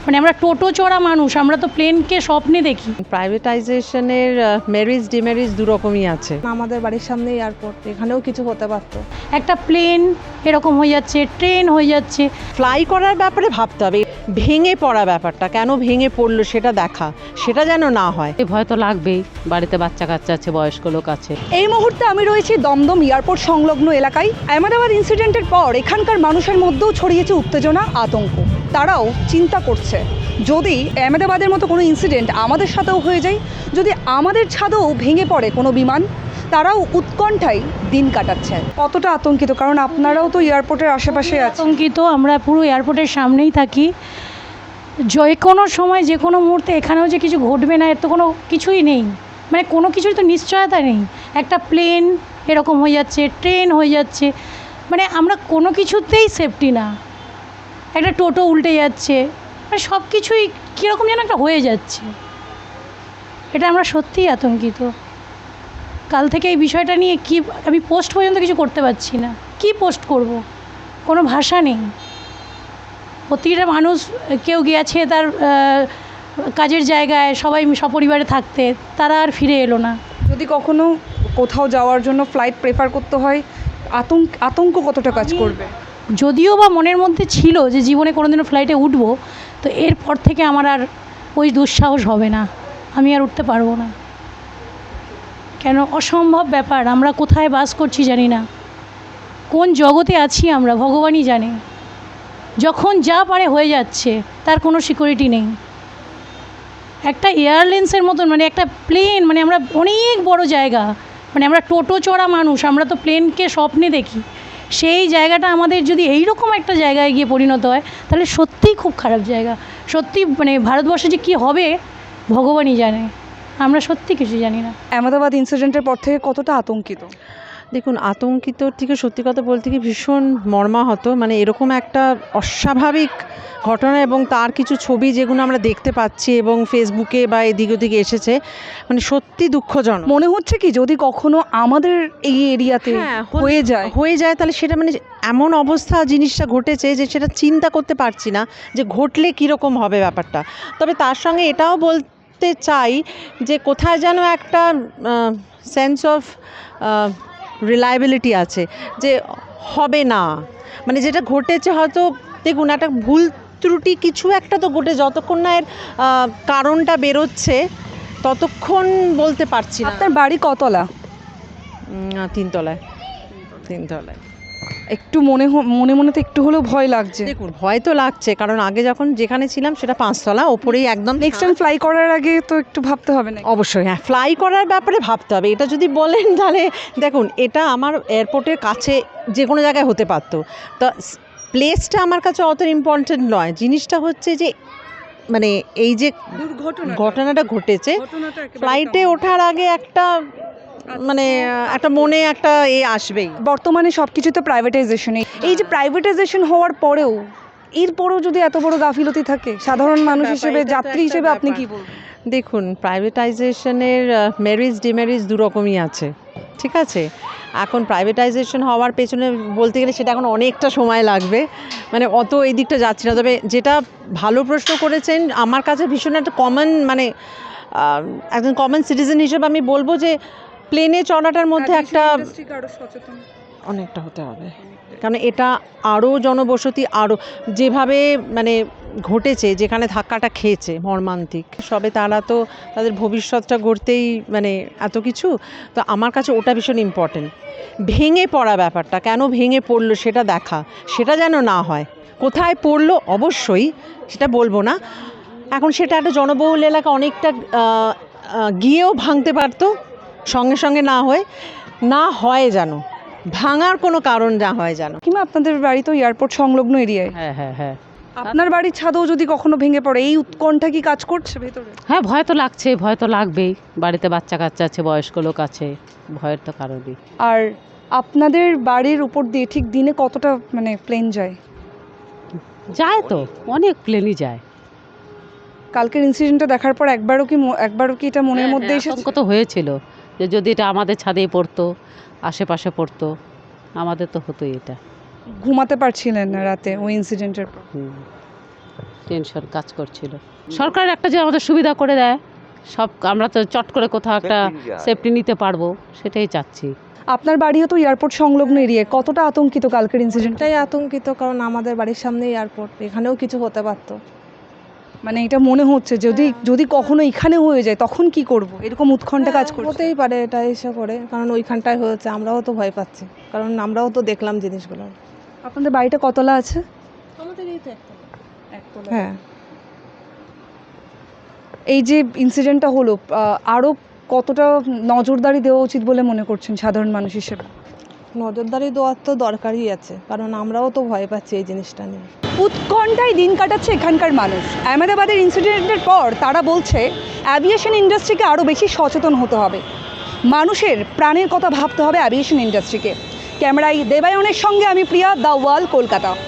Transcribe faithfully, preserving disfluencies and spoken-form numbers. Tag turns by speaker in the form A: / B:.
A: মানে আমরা টোটো চড়া মানুষ, আমরা তো প্লেনকে স্বপ্নে দেখি।
B: প্রাইভেটাইজেশনের মেরিটস ডিমেরিটস দু রকমই আছে।
C: আমাদের বাড়ির সামনে এয়ারপোর্ট, এখানেও কিছু হতে পারতো।
A: একটা প্লেন এরকম হয়ে যাচ্ছে, ট্রেন হয়ে যাচ্ছে।
B: ফ্লাই করার ব্যাপারে ভাবতে হবে, ভেঙে পড়া ব্যাপারটা কেন ভেঙে পড়লো সেটা দেখা, সেটা যেন না হয়।
D: ভয় তো লাগবেই, বাড়িতে বাচ্চা কাচ্চা আছে, বয়স্ক লোক আছে।
C: এই মুহূর্তে আমি রয়েছি দমদম এয়ারপোর্ট সংলগ্ন এলাকায়। আহমেদাবাদ ইনসিডেন্টের পর এখানকার মানুষের মধ্যেও ছড়িয়েছে উত্তেজনা, আতঙ্ক। তারাও চিন্তা করছে, যদি আহমেদাবাদের মতো কোনো ইনসিডেন্ট আমাদের সাথেও হয়ে যায়, যদি আমাদের ছাদেও ভেঙে পড়ে কোনো বিমান, তারাও উৎকণ্ঠায় দিন কাটাচ্ছে। কতটা আতঙ্কিত, কারণ আপনারাও তো এয়ারপোর্টের আশেপাশে আছেন।
A: আতঙ্কিত, আমরা পুরো এয়ারপোর্টের সামনেই থাকি। যে কোনো সময় যে কোনো মুহূর্তে এখানেও যে কিছু ঘটবে না এর তো কোনো কিছুই নেই, মানে কোনো কিছুই তো নিশ্চয়তা নেই। একটা প্লেন এরকম হয়ে যাচ্ছে, ট্রেন হয়ে যাচ্ছে, মানে আমরা কোনো কিছুতেই সেফটি না। একটা টোটো উল্টে যাচ্ছে, মানে সব কিছুই কীরকম যেন একটা হয়ে যাচ্ছে। এটা আমরা সত্যিই আতঙ্কিত। কাল থেকে এই বিষয়টা নিয়ে কি আমি পোস্ট পর্যন্ত কিছু করতে পারছি না। কি পোস্ট করব, কোনো ভাষা নেই। প্রতিটা মানুষ, কেউ গিয়েছে তার কাজের জায়গায়, সবাই সপরিবারে থাকতে, তারা আর ফিরে এলো না।
C: যদি কখনো কোথাও যাওয়ার জন্য ফ্লাইট প্রেফার করতে হয়, আতঙ্ক আতঙ্ক কতটা কাজ করবে?
A: যদিও বা মনের মধ্যে ছিল যে জীবনে কোনোদিনও ফ্লাইটে উঠবো, তো এরপর থেকে আমার আর ওই দুঃসাহস হবে না, আমি আর উঠতে পারবো না। কেন, অসম্ভব ব্যাপার। আমরা কোথায় বাস করছি জানি না, কোন জগতে আছি আমরা ভগবানই জানে। যখন যা পারে হয়ে যাচ্ছে, তার কোনো সিকিউরিটি নেই। একটা এয়ারলাইন্সের মতন, মানে একটা প্লেন, মানে আমরা অনেক বড় জায়গা, মানে আমরা টোটো চড়া মানুষ, আমরা তো প্লেনকে স্বপ্নে দেখি। সেই জায়গাটা আমাদের যদি এই রকম একটা জায়গায় গিয়ে পরিণত হয়, তাহলে সত্যিই খুব খারাপ জায়গা। সত্যি মানে ভারতবর্ষে যে কী হবে ভগবানই জানে, আমরা সত্যি কিছু জানি না।
C: আহমেদাবাদ ইনসিডেন্টের পর থেকে কতটা আতঙ্কিত?
B: দেখুন, আতঙ্কিত থেকে সত্যি কথা বলতে কি ভীষণ মর্মাহত। মানে এরকম একটা অস্বাভাবিক ঘটনা এবং তার কিছু ছবি যেগুলো আমরা দেখতে পাচ্ছি এবং ফেসবুকে বা এদিক ওদিকে এসেছে, মানে সত্যি দুঃখজনক।
C: মনে হচ্ছে কি যদি কখনো আমাদের এই এরিয়াতে
B: হ্যাঁ,
C: হয়ে যায়
B: হয়ে যায় তাহলে সেটা মানে এমন অবস্থা জিনিসটা ঘটেছে যে সেটা চিন্তা করতে পারছি না যে ঘটলে কীরকম হবে ব্যাপারটা। তবে তার সঙ্গে এটাও বলতে চাই যে কোথায় যেন একটা সেন্স অফ রিলায়েবিলিটি আছে যে হবে না, মানে যেটা ঘটেছে হয়তো দেখুন একটা ভুল ত্রুটি কিছু একটা তো ঘটে, যতক্ষণ না এর কারণটা বেরোচ্ছে ততক্ষণ বলতে পারছি না।
C: আপনার বাড়ি কতলা?
B: তিনতলায়। তিনতলায়।
C: একটু মনে মনে মনে তো একটু হলেও ভয় লাগছে।
B: দেখুন, ভয় তো লাগছে, কারণ আগে যখন যেখানে ছিলাম সেটা পাঁচতলা, ওপরেই একদম।
C: নেক্সট টাইম ফ্লাই করার আগে তো একটু ভাবতে হবে না?
B: অবশ্যই, হ্যাঁ, ফ্লাই করার ব্যাপারে ভাবতে হবে। এটা যদি বলেন তাহলে দেখুন, এটা আমার এয়ারপোর্টের কাছে যে কোনো জায়গায় হতে পারতো। তা প্লেসটা আমার কাছে অত ইম্পর্টেন্ট নয়। জিনিসটা হচ্ছে যে মানে এই যে
C: দুর্ঘটনা
B: ঘটনাটা ঘটেছে, ফ্লাইটে ওঠার আগে একটা মানে একটা মনে একটা এ আসবেই।
C: বর্তমানে সব কিছু তো প্রাইভেটাইজেশনে। এই যে প্রাইভেটাইজেশন হওয়ার পরেও, এরপরেও যদি এত বড় গাফিলতি থাকে, সাধারণ মানুষ হিসেবে, যাত্রী হিসেবে আপনি কি বলবেন?
B: দেখুন, প্রাইভেটাইজেশনের মেরিটস ডিমেরিটস দু রকমই আছে, ঠিক আছে। এখন প্রাইভেটাইজেশন হওয়ার পেছনে বলতে গেলে সেটা এখন অনেকটা সময় লাগবে, মানে অত এই দিকটা যাচ্ছি না। তবে যেটা ভালো প্রশ্ন করেছেন, আমার কাছে ভীষণ একটা কমন, মানে একজন কমন সিটিজেন হিসেবে আমি বলবো যে প্লেনে চড়াটার মধ্যে একটা অনেকটা হতে হবে, কারণ এটা আরও জনবসতি, আরও যেভাবে মানে ঘটেছে, যেখানে ধাক্কাটা খেয়েছে মর্মান্তিক, সবে তারা তো তাদের ভবিষ্যৎটা গড়তেই মানে এত কিছু। তো আমার কাছে ওটা ভীষণ ইম্পর্টেন্ট। ভেঙে পড়া ব্যাপারটা কেন ভেঙে পড়লো সেটা দেখা, সেটা যেন না হয়। কোথায় পড়লো অবশ্যই সেটা বলবো না, এখন সেটা একটা জনবহুল এলাকা, অনেকটা গিয়েও ভাঙতে পারতো, সঙ্গে সঙ্গে না হয়ে না হয় যেন ভাঙার কোনো কারণ না হয় যেন।
C: কিংবা আপনাদের বাড়ি তো এয়ারপোর্ট সংলগ্ন এরিয়ায়।
D: হ্যাঁ হ্যাঁ হ্যাঁ
C: আপনার বাড়ির ছাদেও যদি কখনো ভেঙে পড়ে, এই উৎকণ্ঠা কি কাজ করছে ভেতরে?
D: হ্যাঁ, ভয় তো লাগছে, ভয় তো লাগবেই। বাড়িতে বাচ্চা কাচ্চা আছে, বয়স্ক লোক আছে, ভয়ের তো কারণই।
C: আর আপনাদের বাড়ির উপর দিয়ে ঠিক দিনে কতটা মানে প্লেন যায়?
D: যায় তো, অনেক প্লেনই যায়।
C: কালকের ইনসিডেন্টটা দেখার পর একবারও কি একবারও কি এটা মনের মধ্যে এসেছে?
D: আতঙ্ক তো হয়েছিল যে যদি এটা আমাদের ছাদেই পড়তো, আশেপাশে পড়তো, আমাদের তো হতোই এটা।
C: ঘুমাতে পারছিলেন না রাতে ওই ইনসিডেন্টের পর?
D: হুম। টেনশন কাজ করছিল। সরকার একটা যে আমাদের সুবিধা করে দেয়, সব আমরা তো চট করে কোথাও একটা সেফটি নিতে পারবো, সেটাই চাচ্ছি।
C: আপনার বাড়িও তো এয়ারপোর্ট সংলগ্ন এরিয়ায়, কতটা আতঙ্কিত কালকের ইনসিডেন্ট?
E: এটাই আতঙ্কিত, কারণ আমাদের বাড়ির সামনেই এয়ারপোর্ট, এখানেও কিছু হতে পারতো।
C: মানে এটা মনে হচ্ছে যদি যদি কখনো এখানে হয়ে যায় তখন কি করব, এরকম উৎকণ্ঠা কাজ করছে।
E: হতেই পারে এটা এসে করে, কারণ ওইখানটায় হয়েছে, আমরাও তো ভয় পাচ্ছি, কারণ আমরাও তো দেখলাম জিনিসগুলো।
C: আপনাদের বাড়িটা কতলা আছে?
E: আমাদের এই তো একতলা। হ্যাঁ,
C: এই যে ইনসিডেন্টটা হলো, আরও কতটা নজরদারি দেওয়া উচিত বলে মনে করছেন সাধারণ মানুষ হিসেবে?
E: নজরদারি দেওয়ার তো দরকারই আছে, কারণ আমরাও তো ভয় পাচ্ছি এই জিনিসটা নিয়ে।
C: উৎকণ্ঠায় দিন কাটাচ্ছে এখানকার মানুষ। আহমেদাবাদের ইনসিডেন্টের পর তারা বলছে অ্যাভিয়েশন ইন্ডাস্ট্রিকে আরও বেশি সচেতন হতে হবে, মানুষের প্রাণের কথা ভাবতে হবে অ্যাভিয়েশন ইন্ডাস্ট্রিকে। ক্যামেরায় দেবায়নের সঙ্গে আমি প্রিয়া, দ্য ওয়াল, কলকাতা।